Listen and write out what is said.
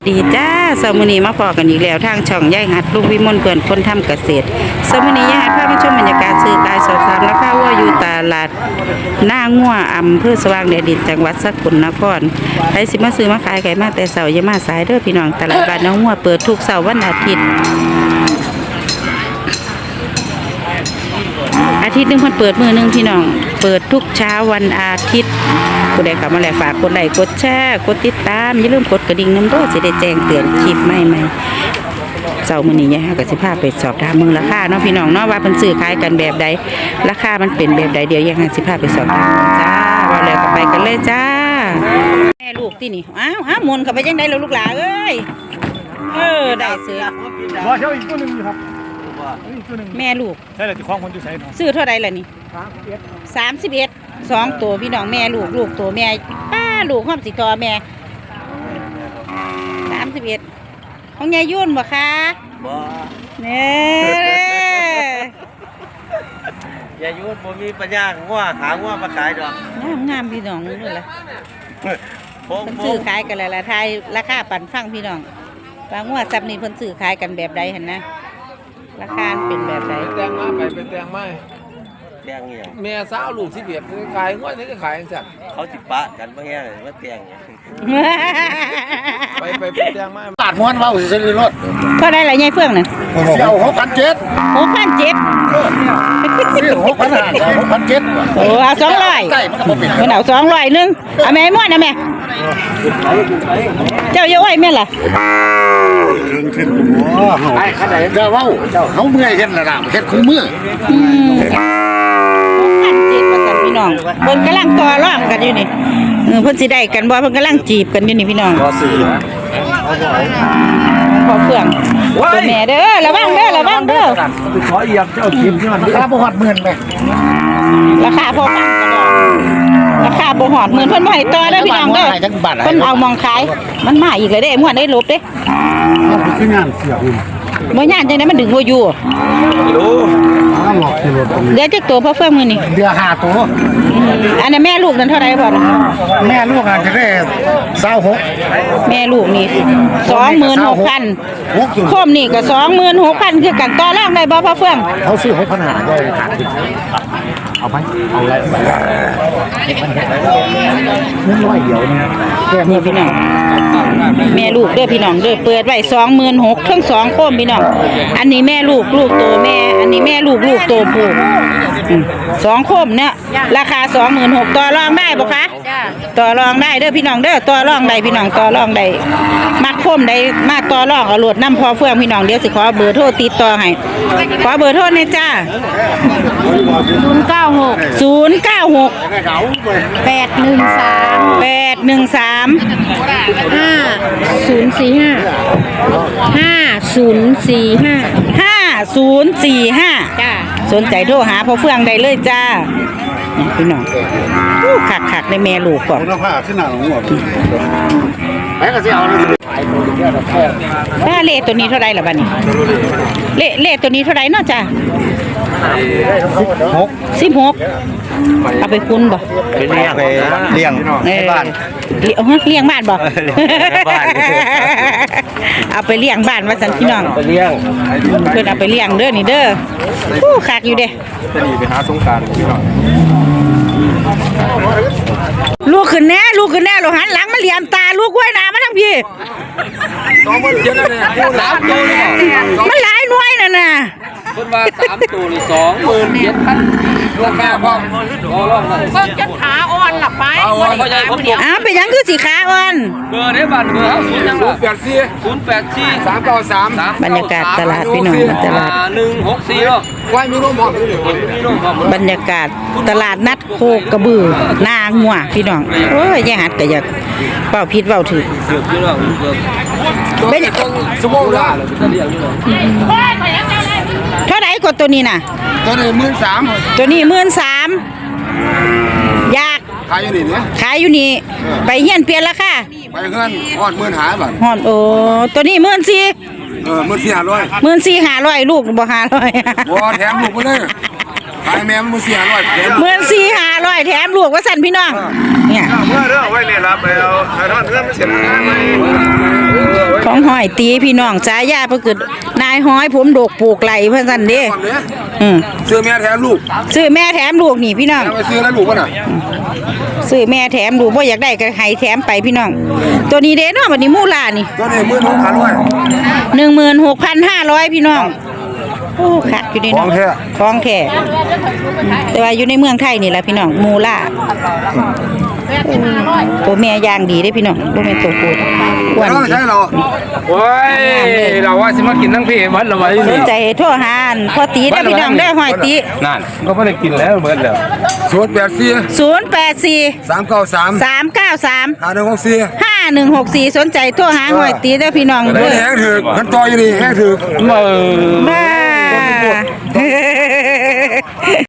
ดีจ้าสมุนีมาพอกันอีกแล้วทางช่องยายหัดลูกวิมลเพื่อนคนทำเกษตรสมุนียายหัดพามาชมบรรยากาศซื้อขายสอบถามราคาวัวอยู่ตลาดหน้างัวอำเภอสว่างแดนดินจังหวัดสกลนครใครสิมาซื้อมาขายไก่มาแต่เสาร์อย่ามาสายเด้อพี่น้องตลาดบ้านน้องงัวเปิดทุกเสาร์วันอาทิตย์หนึ่งคนเปิดมือหนึ่งพี่น้องเปิดทุกเช้าวันอาทิตย์ผู้ใดเข้ามาแล้วฝากกดไลค์กดแชร์กดติดตามอย่าลืมกดกระดิ่งน้ำด้วยจะได้แจ้งเตือนคลิปใหม่ๆเจ้ามื้อนี้ยายก็สิพาไปสอบถามเมืองราคาเนาะพี่น้องเนาะว่าเพิ่นซื้อขายกันแบบใดราคามันเป็นแบบใดเดี๋ยวยายสิพาไปสอบถามจ้าว่าแล้วก็ไปกันเลยจ้าแม่ลูกที่นี่อ้าวมนเข้าไปจังได๋แล้วลูกหลานเอ้ยได้เสือบ่เท่าอีกตัวนึงครับแม่ลูกใช่แล้วที่คล้องคนอยู่ไสเนาะซื้อเท่าใดล่ะนี่31 2ตัวพี่น้องแม่ลูกตัวแม่ป้าลูกความสิทอแม่31ของยายยุ่นบ่คะบ่เนี่ยยายยุ่นบ่มีปัญญางัวหางัวมาขายดอกงามพี่น้องนี่ล่ะเพิ่นซื้อขายกันแล้วล่ะทายราคาปั่นฟังพี่น้องว่างัวซับนี่เพิ่นซื้อขายกันแบบใดหั่นนะราคาเป็นแบบใดแตงมาไปเป็นแตงไม้แตงเนี่ยแม่สาวลูก11ขายงวดนี้ก็ขายจังเขาสิปะกันบ่แฮ่ว่าแตงเนี่ยไปเป็นแตงไม้ตัดม้วนเว้าสิซื้อรถเท่าใดล่ะยายเฟื่องน่ะเสี่ยว6,700 ซื้อ6,500 โอ้เอา200 ได้มันก็บ่เป็นมันเอา200นึงเอาแม่ม่วนนะแม่เจ้าอย่าอ้อยแม่ล่ะขึ้นบ่ไอ้คันใดจะเว้าเฮาเมื่อยเฮ็ดแล้วล่ะเฮ็ดคู่มือ 6,700ว่าซั่นพี่น้องเพิ่นกำลังต่อรองกันอยู่นี่เพิ่นสิได้กันบ่เพิ่นกำลังจีบกันอยู่นี่พี่น้องพอเฟื่องตัวแม่เด้อระวังเด้อขอเอียบเจ้ากินที่มันราคาบ่ฮอดหมื่นแม่ราคาพอฟังกันดอกราคาบ่ฮอดหมื่นเพิ่นบ่ให้ต่อเด้อพี่น้องเด้อเพิ่นเอามองขายมันมาอีกเลยเด้ม่วนได้ลบเด้คืองานเสียบ่ย่านจังได๋มันดึงบ่อยู่รู้เดี๋ยวจักตัวพอเฟื่องมื้อนี้เดือ5ตัวอันนั้นแม่ลูกนั่นเท่าไหร่พ่อแม่ลูกอาจจะได้26 แม่ลูกนี่ 26,000 คมนี่ก็26,000คือกันต่อรองได้บ่พ่อเฟื่องเขาซื้อ6,500ได้เอาไปเอาอะไรเงิน100เดียวเนี่ยนี่พี่น้องแม่ลูกเด้อพี่น้องเด้อเปิดไว้26,000ทั้ง2โคมพี่น้องอันนี้แม่ลูกโตแม่อันนี้แม่ลูกโตผู้2โคมเนี่ยราคา26,000ต่อรองได้บ่คะต่อรองได้เด้อพี่น้องเด้อต่อรองได้พี่น้องต่อรองได้มักโคมได้มาต่อรองเอาโหลดนำพอเฟื่องพี่น้องเดี๋ยวสิขอเบอร์โทรติดต่อให้ขอเบอร์โทรหน่อยจ้า096 5045จ้าสนใจโทรหาพ่อเฟื่องได้เลยจ้าพี่น้องคักในแม่ลูกก่อนคุณภาพขึ้นหน้าของหัวไปก็สิเอาถ้าเล่ตัวนี้เท่าไรล่ะบัดนี้เล่ตัวนี้เท่าไรเนาะจ้า16เอาไปคุณบ่ไปเลี้ยงบ้านเลี้ยงบ้านบ่เอาไปเลี้ยงบ้านว่าซั่นพี่น้องไปเลี้ยงเพิ่นเอาไปเลี้ยงเด้อนี่เด้อคักอยู่เด้จะหนีไปหาสงกรานต์พี่น้องลูกขึ้นแน่เราหันหลังมาเหลี่ยมตาลูกกล้วยหนามาทั้งพี่ 20,000เยอะแล้วเนี่ย3ตัวเนี่ยมันหลายหน่วยน่ะเพิ่นว่า3ตัวนี่27,000ราคาพร้อมรองนั่นเพิ่งจะขาอ่อนล่ะไปเป็นหยังคือสิขาอ่อนเบอร์ได้บัตรเบอร์เฮา0ยัง084 393 บรรยากาศตลาดพี่น้องตลาด 164เนาะไว้มีนมหอมบรรยากาศตลาดนัดโคกระบือนางัวพี่น้องโอ้ยแย่หัดก็อยากเป้าผิดเว้าถูกเป็นชั่วโมงละเท่าไหร่กว่าตัวนี้น่ะตัวนี้13,000 ตัวนี้13,000อยากขายอยู่นี่เนี่ยขายอยู่นี่ไปเฮียนเปลี่ยนราคาไปเงินฮอด15,000บาทฮอดโอ้ตัวนี้ 14,500 14,500ลูกบ่500 บ่แถมลูกไปเลยขายแม่มัน14,500แถม 14,500แถมลูกว่าซั่นพี่น้องเนี่ยเมื่อเด้อไว้เลยรับไปเอาทอดเงินมาเสียงานไหมอยตีพี่น้องฉายาเพิ่นคือนายห้อยผมโดกปลูกไหลเพิ่นซั่นเด้ซื้อแม่แถมลูกซื้อแม่แถมลูกนี่พี่น้องไปซื้อแล้วลูกป่ะน่ะซื้อแม่แถมลูกบ่อยากได้ก็ให้แถมไปพี่น้อง ตัวนี้เด้เนาะบัดนี้มูล่านี่ตัวนี้16,500 16,500พี่น้องโอ้คักอยู่นี่เนาะของแท้แต่ว่าอยู่ในเมืองไทยนี่แหละพี่น้องมูล่าตัวแม่ย่างดีเด้พี่น้องบ่แม่นตัวผู้อ้วนใช่เหรอโอ้ยเราว่าสิมากินทั้งพี่เบิดแล้วไว้สนี่นใจโทรหาอันพ่อตีได้อพี่น้องได้อห้อยตีนั่นก็บ่ได้กินแล้วเบิดแล้ว 084 393 084 393 5164 5164สนใจโทรหาห้อยตีได้อพี่น้องแห้งถึกมันต่ออยู่นี่แห้งถึกบ้า